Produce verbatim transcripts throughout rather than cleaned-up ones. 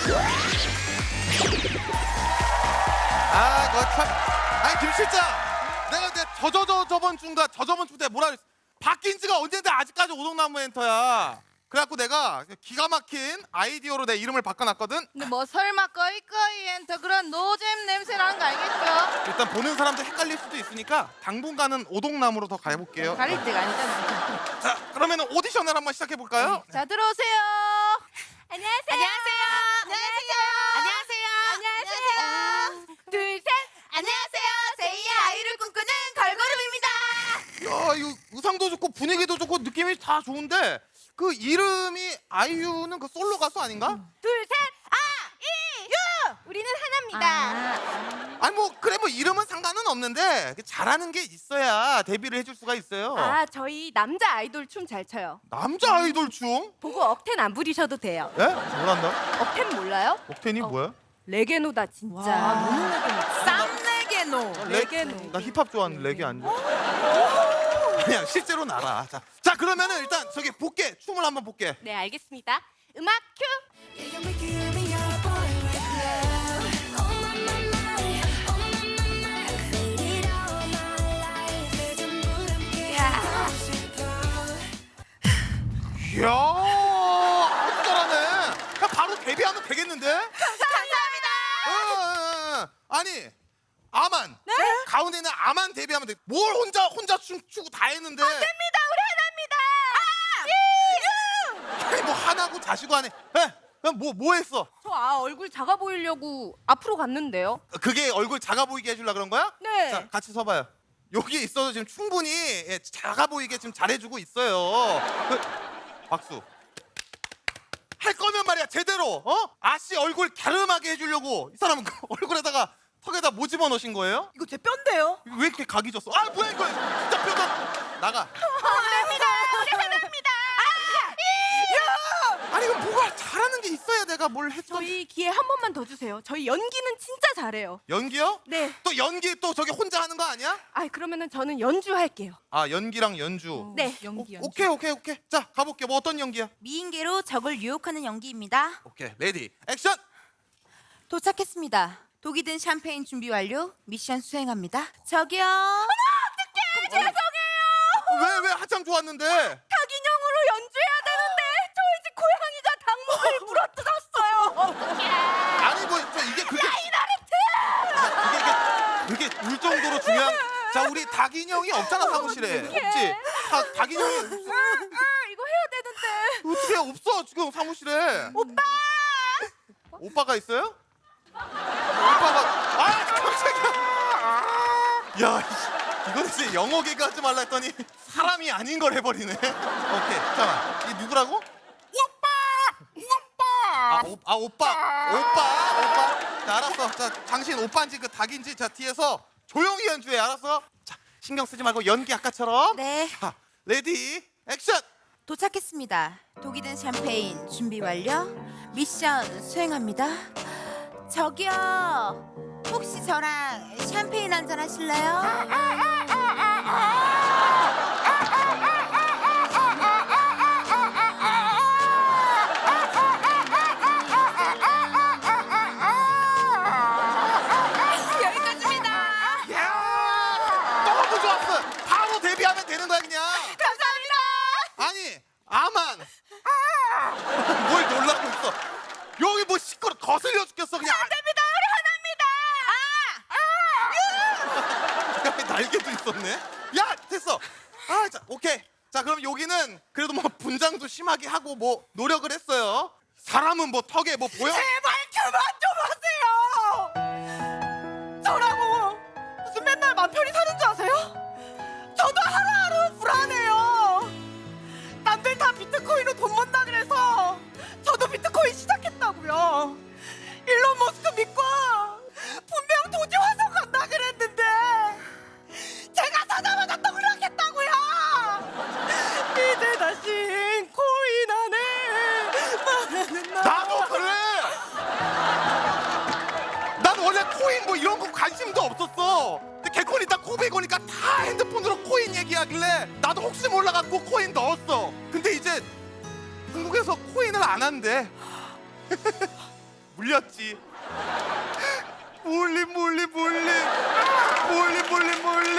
아, 너 참. 아니 김 실장, 내가 이제 저저저 저번 주인가 저저번 주 때 뭐라 그랬어? 바뀐 지가 언젠데 아직까지 오동나무 엔터야. 그래갖고 내가 기가 막힌 아이디어로 내 이름을 바꿔놨거든. 근데 뭐 설마 꺼이꺼이 엔터 그런 노잼 냄새 나는 거 알겠죠? 일단 보는 사람들 헷갈릴 수도 있으니까 당분간은 오동나무로 더 가볼게요. 가릴 때가 아니잖아. 자, 그러면 오디션을 한번 시작해 볼까요? 자, 들어오세요. 안녕하세요. 안녕하세요. 안녕하세요. 안녕하세요. 둘, 셋. 안녕하세요. 제이의 아이를 꿈꾸는 걸그룹입니다. 야, 이거 의상도 좋고 분위기도 좋고 느낌이 다 좋은데 그 이름이 아이유는 그 솔로 가수 아닌가? 둘, 셋. 아, 이, 유. 우리는 하나입니다. 아니 뭐 그래 뭐 이름은 상관은 없는데 잘하는 게 있어야 데뷔를 해줄 수가 있어요. 아, 저희 남자 아이돌 춤 잘 춰요. 남자 아이돌 춤? 보고 억텐 안 부리셔도 돼요. 예? 뭐란다? 억텐 몰라요? 옥텐이 뭐야? 레게노다 진짜. 너무 레게노. 쌈레게노. 레- 레게노. 나 힙합 좋아하는 레게 안 좋아. 그냥 실제로 알아. 자, 자 그러면은 일단 저기 볼게 춤을 한번 볼게. 네, 알겠습니다. 음악 큐. 이야, 아주 잘하네. 그냥 바로 데뷔하면 되겠는데? 감사합니다. 어, 어, 어. 아니 아만. 네? 가운데 있는 아만 데뷔하면 돼. 뭘 혼자 혼자 춤 추고 다 했는데. 됩니다. 우리 하나입니다. 아! 아니 뭐 하나고 자시고 하네. 예? 그럼 뭐, 뭐 했어? 저 아, 얼굴 작아 보이려고 앞으로 갔는데요. 그게 얼굴 작아 보이게 해주려 그런 거야? 네. 자, 같이 서봐요. 여기 있어도 지금 충분히 예, 작아 보이게 지금 잘해주고 있어요. 그, 박수. 할 거면 말이야 제대로. 어? 아씨 얼굴 갸름하게 해주려고 이 사람은 그 얼굴에다가 턱에다 뭐 집어넣으신 거예요? 이거 제 뼈인데요? 이거 왜 이렇게 각이 졌어? 아 뭐야 이거 진짜 뼈가 나가. 됩니다. 우리 하나입니다. 아니 이거 뭐가 잘하는 게 있어야 내가 뭘 했어. 저희 기회 한 번만 더 주세요. 저희 연기는 진짜 잘해요. 연기요? 네. 또 연기 또 저기 혼자 하는 거 아니야? 아, 그러면은 저는 연주할게요. 아 연기랑 연주. 네. 연기, 오, 연기. 오케이 오케이 오케이. 자 가볼게. 뭐 어떤 연기야? 미인계로 적을 유혹하는 연기입니다. 오케이 레디 액션. 도착했습니다. 독이 든 샴페인 준비 완료. 미션 수행합니다. 저기요. 왜 왜 한참 좋았는데? 닭인형으로 연주해야 되는데 저희 집 고양이가 닭목을 부러뜨렸어요. 아니 뭐 저 이게 그게 그게 이게 그게 울 정도로 중요한. 자 우리 닭 인형이 없잖아 사무실에. 없지. 닭, 닭 인형이 없어. 이거 해야 되는데. 어떻게 없어 지금 사무실에. 오빠. 오빠가 있어요? 오빠가 아 깜짝이야. 야 이씨, 이건 진짜 영어 개그 하지 말라 했더니 사람이 아닌 걸 해버리네. 오케이 잠깐만 이 누구라고? 아, 오, 아 오빠 오빠 오빠 자 알았어. 자 당신 오빠인지 그 닭인지 자 뒤에서 조용히 연주해. 알았어. 자 신경 쓰지 말고 연기 아까처럼. 네. 자 레디 액션. 도착했습니다. 독이 든 샴페인 준비 완료. 미션 수행합니다. 저기요. 혹시 저랑 샴페인 한잔 하실래요? 여기까지입니다. 야 너무 좋았어. 바로 데뷔하면 되는 거야 그냥. 감사합니다. 아니 아만 뭘 놀라고 있어. 여기 뭐 시끄러 거슬려 죽겠어 그냥. 됩니다. 우리 하나입니다. 야, 날개도 있었네. 야 됐어. 아 자 오케이. 자 그럼 여기는 그래도 뭐 분장도 심하게 하고 뭐 노력을 했어요. 사람은 뭐 턱에 뭐 보여? 제발 그만 좀 하세요. 저라고 무슨 맨날 맘 편히 사는 줄 아세요? 저도 하루하루 불안해요. 남들 다 비트코인으로 돈 번다 그래서 저도 비트코인 시작했다고요. 일론 머스크 믿고 분명 도지 화성 간다 그랬는데 제가 사자마자 떡락했다고요. 이제 다시 코인 안에 말하는 나. 나도 그래. 난 원래 코인 뭐 이런 거 관심도 없었어. 근데 개콘이 딱 구백 원이니까 다 핸드폰으로 코인 얘기하길래 나도 혹시 몰라갖고 코인 넣었어. 근데 이제 한국에서 코인을 안 한대. 불렸지. 몰림 몰림 몰림 몰림 몰림 몰림.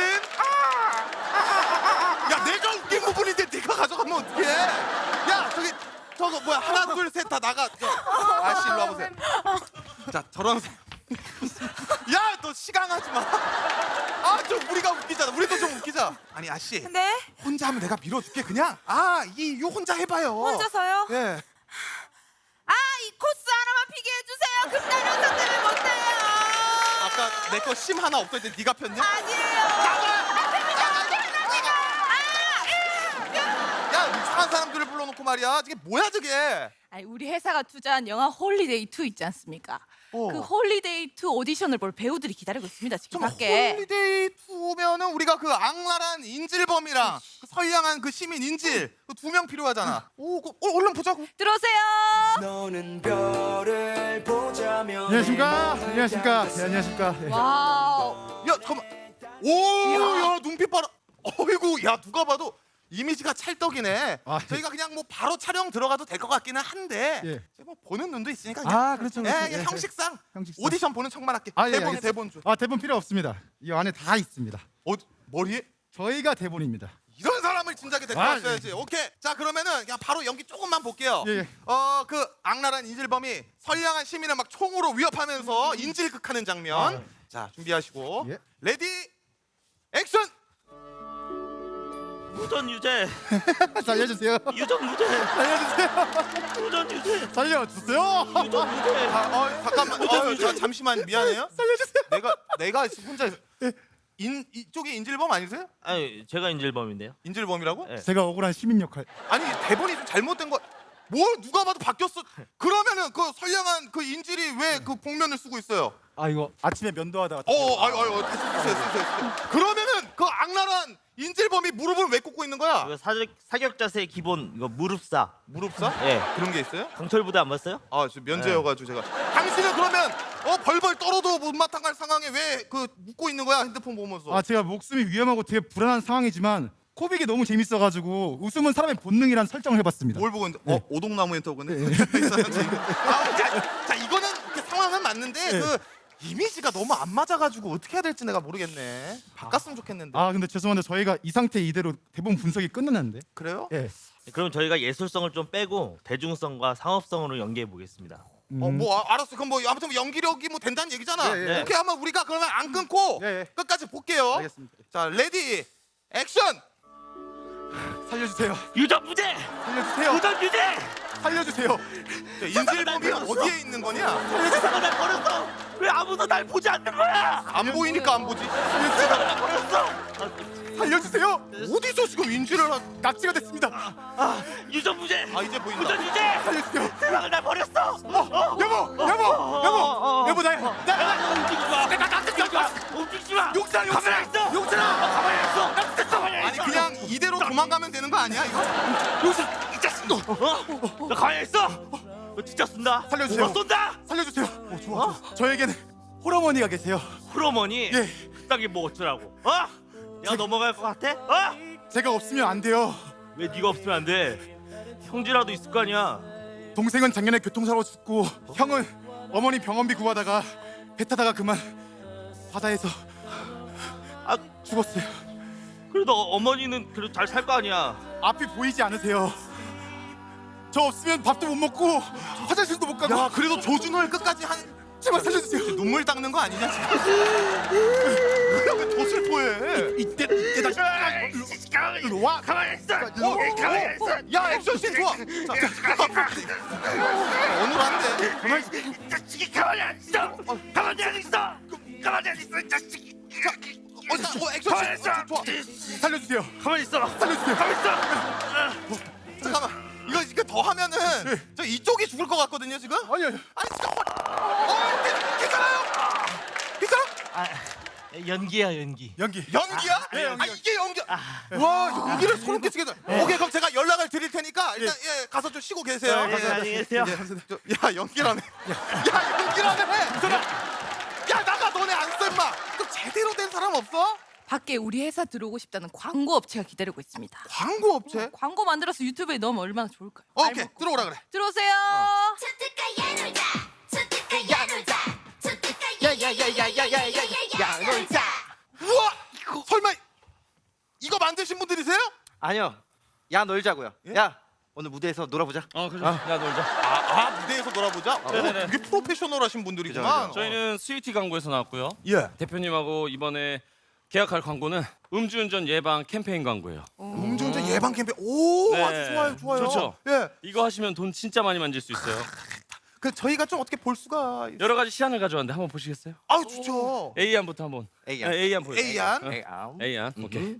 야 내가 웃긴 부분인데 네가 가져가면 어떡해? 야 저기 저거 뭐야 하나 둘 셋 다 나가. 저, 아씨 일로 와보세요. 자 저런 야 너 시강하지 마. 아 좀 우리가 웃기잖아. 우리도 좀 웃기자. 아니 아씨 네? 혼자 하면 내가 밀어줄게 그냥. 아이 요 혼자 해봐요. 혼자서요? 예. 아, 이 코스 하나만 피게 해주세요. 금단 영상 때문에 못해요. 아까 내 거 심 하나 없을 때 네가 폈냐? 아니에요. 야 이상한 사람들을 불러놓고 말이야. 저게 뭐야 저게? 아니, 우리 회사가 투자한 영화 홀리데이 투 있지 않습니까? 어. 그 홀리데이 투 오디션을 볼 배우들이 기다리고 있습니다. 지금 좀 밖에. 홀리데이 투면은 우리가 그 악랄한 인질범이랑 그 선량한 그 시민 인질 그 두 명 필요하잖아. 오, 그, 어, 얼른 보자고. 들어오세요. 너는 별을 보자면 안녕하십니까? 안녕하십니까? 네, 안녕하십니까? 예. 와우. 야 잠깐만. 오, 야 눈빛 봐라. 어이구, 야 누가 봐도 이미지가 찰떡이네. 아, 예. 저희가 그냥 뭐 바로 촬영 들어가도 될 것 같기는 한데 예. 뭐 보는 눈도 있으니까 그냥 아, 그렇죠, 그렇죠. 예, 그냥 예, 형식상, 형식상. 오디션 보는 척만 할게. 아, 예, 대본 알겠습니다. 대본 줘. 아, 대본 필요 없습니다. 이 안에 다 있습니다. 어, 머리에 저희가 대본입니다. 이런 사람을 진작에 데리고 아, 왔어야지. 오케이. 자 그러면은 그냥 바로 연기 조금만 볼게요. 예, 예. 어 그 악랄한 인질범이 선량한 시민을 막 총으로 위협하면서 인질극하는 장면. 아. 자 준비하시고 예. 레디 액션. 무전 유죄, 살려주세요. 유전 무죄, 살려주세요. 무전 유죄, 살려주세요. 유전 무죄. 아, 어, 잠깐만. 어, 자, 잠시만 미안해요. 살려주세요. 내가 내가 혼자 인 이쪽이 인질범 아니세요? 아니 제가 인질범인데요. 인질범이라고? 예. 제가 억울한 시민 역할. 아니 대본이 좀 잘못된 거. 뭘 누가 봐도 바뀌었어. 그러면은 그 선량한 그 인질이 왜 그 복면을 쓰고 있어요? 아, 이거 아침에 면도하다가. 어, 아유, 아유, 쓰세요, 쓰세요, 쓰세요. 그러면은 그 악랄한 인질범이 무릎을 왜 꿇고 있는 거야? 이거 사격 사격 자세 기본 이거 무릎사. 무릎사? 예. 그런 게 있어요? 강철 부대 안 봤어요? 아, 저 면제여가지고 제가. 당신은 그러면 어 벌벌 떨어도 못마땅 할 상황에 왜 그 웃고 있는 거야 핸드폰 보면서? 아, 제가 목숨이 위험하고 되게 불안한 상황이지만 코빅이 너무 재밌어가지고 웃음은 사람의 본능이란 설정을 해봤습니다. 뭘 보고 있는데? 네. 어, 오동나무 엔터고네. 아, 자, 자, 이거는 이렇게 상황은 맞는데 네. 그 이미지가 너무 안 맞아가지고 어떻게 해야 될지 내가 모르겠네. 바꿨으면 좋겠는데. 아, 근데 죄송한데 저희가 이 상태 이대로 대본 분석이 끝났는데. 그래요? 예. 그럼 저희가 예술성을 좀 빼고 대중성과 상업성으로 연기해 보겠습니다. 어, 뭐 아, 알았어. 그럼 뭐 아무튼 뭐 연기력이 뭐 된다는 얘기잖아. 예, 예. 오케이 하면 우리가 그러면 안 끊고 예, 예. 끝까지 볼게요. 알겠습니다. 자, 레디 액션. 살려주세요. 유전 무죄, 살려주세요. 무전 유죄. 살려주세요. 자, 인질범이 어디에 있는 거냐? 세상을 날 버렸어. 왜 아무도 날 보지 않는 거야? 안 보이니까 안 보지. 세상을 날 버렸어. 살려주세요. 어디서 지금 인질을 하... 납치가 됐습니다. 아, 유전 무죄, 아 이제 보인다. 무전 유죄. 살려주세요. 세상을 날 버렸어. 어, 여보, 여보, 여보, 여보 나, 나, 나, 움직이지 마. 내가 나 움직이지 마. 움직이지 마. 용찬아, 용찬아. 가만히 있어. 용찬아. 가만히 있어. 나 진짜 가만히 아니 있어. 그냥 이대로 도망가면 되는 거 아니야 이거? 이 자식 너. 어? 나 가만히 있어. 너 진짜 쏜다. 살려주세요. 너 쏜다. 살려주세요. 어, 좋아. 좋아. 저에게는 홀어머니가 계세요. 홀어머니. 예. 그딴 뭐 어쩌라고? 어? 내가 넘어갈 것 같아? 어? 제가 없으면 안 돼요. 왜 네가 없으면 안 돼? 형제라도 있을 거 아니야. 동생은 작년에 교통사고 죽고 형은 어머니 병원비 구하다가 배 타다가 그만 바다에서 아, 죽었어요. 그래도 어머니는 그래도 잘 살 거 아니야. 앞이 보이지 않으세요. 저 없으면 밥도 못 먹고 화장실도 못 가고. 야 그래도 조준호를 끝까지 한 제발 살려주세요. 눈물 닦는 거 아니냐 지금? 왜더 슬퍼해? 이때 이때 다시 가만히 일로 와. 가만히 있어. 어, 가만히 있어. 야 액션씬 좋아. 자, 자, 어눌한데. 가만히 이 자식이 가만히 안 있어. 가만히 안 있어. 가만히 안 있어. 이 자식이. 어, 자, 어 액션씬 좋아. 좋아. 살려주세요. 가만히 있어. 살려주세요. 가만히 있어. 잠깐만. 이거 이거 더 하면은 저 이쪽이 죽을 것 같거든요 지금. 아니 아니. 아니 진짜. 어, 괜- 괜찮아요? 괜찮아? 아, 연기야 연기. 연기. 연기야? 네, 아, 연기. 이게 연기. 와 연기를 소름 끼치게. 오케이 그럼 제가 연락을 드릴 테니까 일단 예 가서 좀 쉬고 계세요. 네, 가서. 안녕히 계세요. 저, 야 연기라네. 야 연기라네. 야 나가 너네 안 쌤마. 또 제대로 된 사람 없어? 밖에 우리 회사 들어오고 싶다는 광고 업체가 기다리고 있습니다. 광고 업체? 광고 만들어서 유튜브에 넣으면 얼마나 좋을까요? 오케이 알먹고. 들어오라 그래. 들어오세요. 수특하게 놀자 수특하게 야야야야야야야야 놀자. 우와! 설마 이거 만드신 분들이세요? 아니요. 야 놀자고요. 야 오늘 무대에서 놀아보자. 어 그래. 야 놀자. 아, 아 무대에서 놀아보자? 어, 네네네. 되게 프로페셔널하신 분들이구만. 그죠, 저희는 스위티 광고에서 나왔고요. 예. 대표님하고 이번에 계약할 광고는 음주운전 예방 캠페인 광고예요. 음주운전 예방 캠페인. 오, 네. 아주 좋아요, 좋아요. 좋죠? 예. 이거 하시면 돈 진짜 많이 만질 수 있어요. 그 저희가 좀 어떻게 볼 수가 있... 여러 가지 시안을 가져왔는데 한번 보시겠어요? 아우 좋죠. A안부터 한번. A안. 네, A안 보여. A안? 어. A안. A안. 오케이.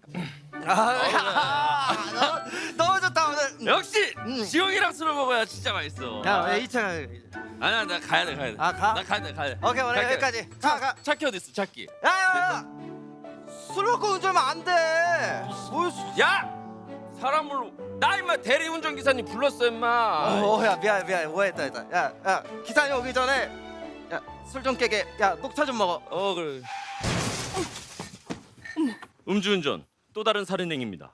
아, 너무 좋다 오늘. 역시 지영이랑 술을 먹어야 진짜 맛있어. 야 이찬. 아니야 나 가야 돼 가야 돼. 아, 가? 나 가야 돼 가야 돼. 오케이 오늘 갈게. 여기까지. 가 가. 차키 어디 있어 차키? 야야야. 술 먹고 운전하면 안 돼. 뭘 술... 야 사람을 나 임마 대리운전 기사님 불렀어 임마. 어야 미안 미안 오해했다 했다. 야야 기사님 오기 전에 야 술 좀 깨게. 야 녹차 좀 먹어. 어 그래. 음주운전 또 다른 살인행위입니다.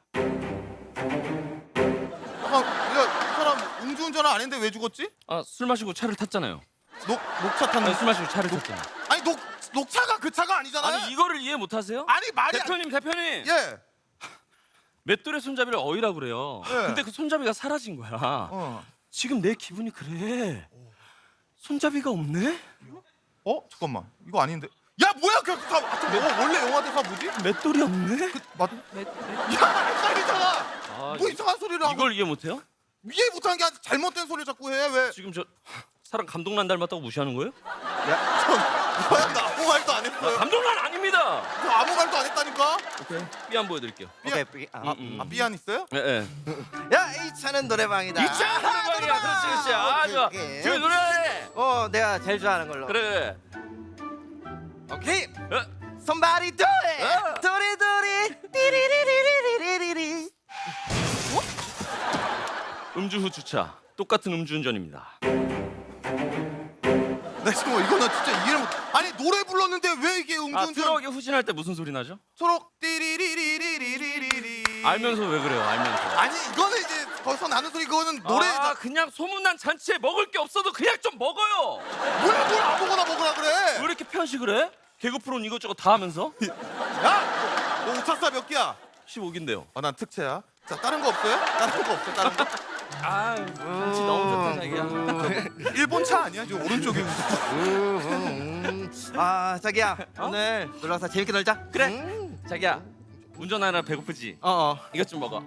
아, 야, 이 사람 음주운전을 안 했는데 왜 죽었지? 아 술 마시고 차를 탔잖아요. 녹 녹차 아, 탔는. 술 마시고 차를 탔잖아. 아니 녹 녹차가 그 차가 아니잖아요. 아니 이거를 이해 못하세요? 아니 말이 안- 대표님 대표님. 예. 맷돌의 손잡이를 어이라 그래요. 네. 근데 그 손잡이가 사라진 거야. 어. 지금 내 기분이 그래. 손잡이가 없네? 어 잠깐만 이거 아닌데. 야 뭐야 그 다, 아, 저 영화, 원래 영화 대사 뭐지? 맷돌이 없네? 그 맞. 야 헷갈리잖아. 아, 뭐 이- 이상한 소리를 하고. 이걸 이해 못해요? 이해 못하는 게 아니라 잘못된 소리 자꾸 해 왜? 지금 저 사람 감독난 닮았다고 무시하는 거예요? 뭐야 나 아무 말도 안 했어요. 감독난 아닙니다. 저 아무 말도 안 했다니까. 오케이. 삐안 보여드릴게요. 오케이 삐- 아, 아, 음, 아 삐안 있어요? 예, 예. 야 이차는 노래방이다. 이차 노래방이야. 그렇지, 그렇지. 아, 좋아. 오케이. 지금 노래해. 어 내가 제일 좋아하는 걸로. 그래. 오케이. 어? Somebody do it. 어. 도리 도리 띠리리리리리리리. 음주 후 주차. 똑같은 음주운전입니다. 나 지금 이거는 진짜 이해를 못. 아니 노래 불렀는데 왜 이게 아, 음주운전? 트럭이 후진할 때 무슨 소리 나죠? 초록 띠리리리리리리리. 알면서 왜 그래요? 알면서. 아니 이거는 이제 거기서 나는 소리 그거는 노래. 아, 그냥 소문난 잔치에 먹을 게 없어도 그냥 좀 먹어요. 뭘뭘 아무거나 먹으라 그래. 왜 이렇게 편식을 해? 개그 프로는 이것저것 다 하면서? 야, 너 오차사 몇 개야? 십오 기인데요. 아, 난 특채야. 자, 다른 거 없어요? 다른 거 없어? 다른 거? 아, 잔치 너무 좋다 자기야. 일본 차 아니야? 저 오른쪽에. 아 자기야 오늘 놀러 와서 재밌게 놀자. 그래. 음. 자기야, 운전하느라 배고프지? 어 어. 이것 좀 먹어.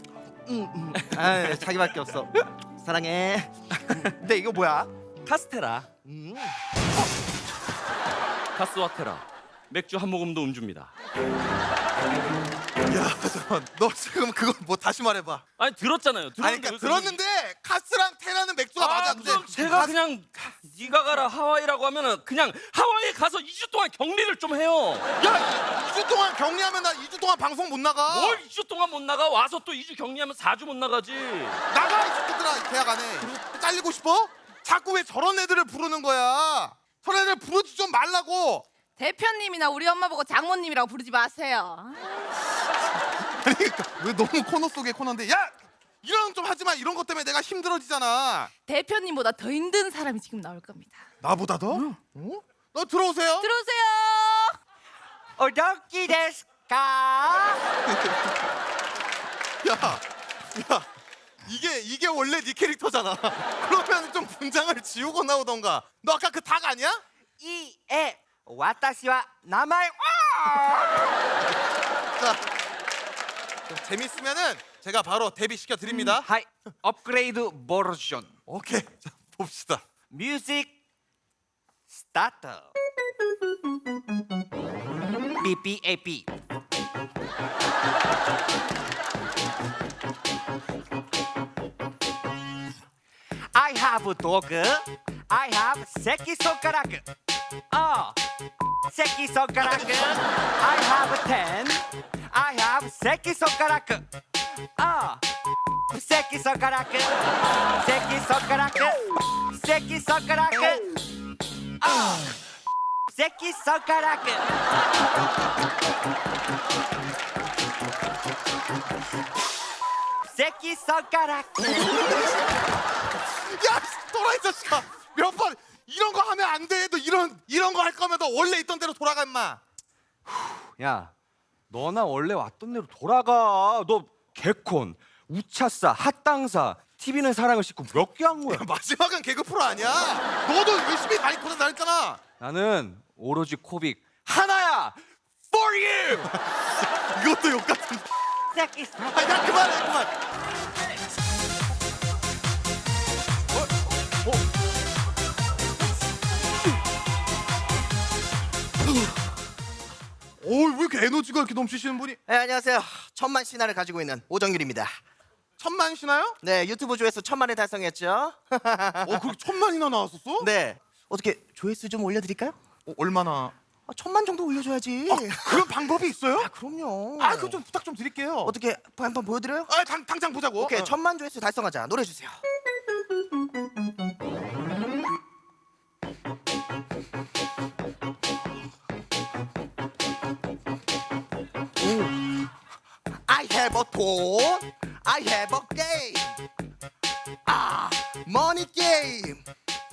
아 자기밖에 없어. 사랑해. 근데 이거 뭐야? 카스테라. 음. 카스와테라. 맥주 한 모금도 음주입니다. 야, 잠깐. 너 지금 그거 뭐 다시 말해봐. 아니 들었잖아요. 들었는데 아니, 그러니까 왜 들었는데 카스랑 테라는 맥주가 아, 맞아. 근데 그럼 제가 그냥 네가 가라 하와이라고 하면은 그냥 하와이에 가서 이 주 동안 격리를 좀 해요. 야, 이 주 동안 격리하면 나 이 주 동안 방송 못 나가. 뭘 이 주 동안 못 나가? 와서 또 이 주 격리하면 사 주 못 나가지. 나가 이 새끼들아. 계약 안 해. 잘리고 싶어? 자꾸 왜 저런 애들을 부르는 거야? 저런 애들 부르지 좀 말라고. 대표님이나 우리 엄마 보고 장모님이라고 부르지 마세요. 아니 그러니까 왜 너무 코너 속의 코너인데. 야, 이런 좀 하지 마. 이런 것 때문에 내가 힘들어지잖아. 대표님보다 더 힘든 사람이 지금 나올 겁니다. 나보다 더? 어? 너 들어오세요. 들어오세요. 오도키 데스까? 야, 야, 이게 이게 원래 네 캐릭터잖아. 그러면 좀 분장을 지우고 나오던가. 너 아까 그 닭 아니야? 이에 와타시와 나마이 자, 좀 재밌으면은 제가 바로 데뷔시켜 드립니다. 하이 업그레이드 버전 오케이, 자, 봅시다. 뮤직 스타트. 비비에이피 I have a dog. I have 새끼손가락. 어, 새끼손가락. I have ten. I have 새끼손가락. 어, 새끼손가락. 새끼손가락. 새끼손가락. 어, 새끼손가락. 새끼손가락. 야, 또라이 자식아. 몇 번 이런 거 하면 안 안 돼. 너 이런 이런 거 할 거면 너 원래 있던 대로 돌아가 임마. 야, 너나 원래 왔던 대로 돌아가. 너 개콘, 우차싸, 핫당사, 티비는 사랑을 싣고 몇 개 한 거야? 마지막은 개그 프로 아니야? 너도 열심히 많이 코너 다녔잖아. 나는 오로지 코빅 하나야. For you. 이것도 욕 같은. 아, 야 그만해 그만. 어, 왜 이렇게 에너지가 이렇게 넘치시는 분이? 네, 안녕하세요. 천만 신화를 가지고 있는 오정률입니다. 천만 시나요? 네, 유튜브 조회수 천만을 달성했죠. 어, 그렇게 천만이나 나왔었어? 네, 어떻게 조회수 좀 올려드릴까요? 어, 얼마나? 아, 천만 정도 올려줘야지. 그런 방법이 있어요? 아, 그럼요. 아, 그럼 좀 부탁 좀 드릴게요. 어떻게 한번 보여드려요? 아, 당, 당장 보자고. 오케이, 어. 천만 조회수 달성하자. 노래 주세요. I have a phone. I have a game. 아, money game.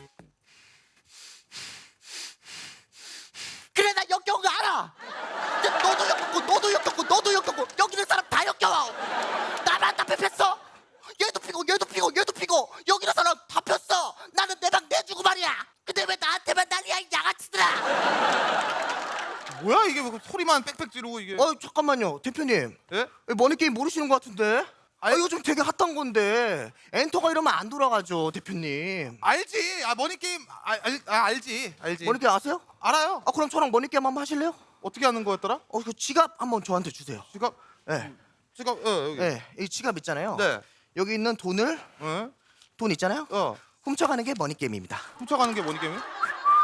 그래, 나 역겨운 거 알아. 근데 너도 역겹고, 너도 역겹고, 너도 역겹고, 여기 있는 사람 다 역겨워. 나만 다 펴폈어. 얘도 피고, 얘도 피고, 얘도 피고, 여기 있는 사람 다 폈어. 나는 내 방 내주고 말이야. 근데 왜 나한테만 난리야, 이 양아치들아. 뭐야 이게 왜 소리만 빽빽 지르고 이게? 어, 잠깐만요, 대표님. 예? 머니 게임 모르시는 것 같은데? 아, 이거 좀 되게 핫한 건데 엔터가 이러면 안 돌아가죠, 대표님. 알지. 아, 머니 게임 아, 알, 아 알지. 알지. 머니 게임 아세요? 알아요. 아, 그럼 저랑 머니 게임 한번 하실래요? 어떻게 하는 거였더라? 어, 그 지갑 한번 저한테 주세요. 지갑. 네, 지갑. 어, 여기. 네, 이 지갑 있잖아요. 네. 여기 있는 돈을 어? 돈 있잖아요. 어. 훔쳐가는 게 머니 게임입니다. 훔쳐가는 게 머니 게임이야?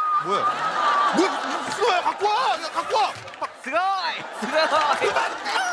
뭐야? 뭐야? 무슨 거야? 갖고 와. 야, 갖고 와. 스가이, 스가이.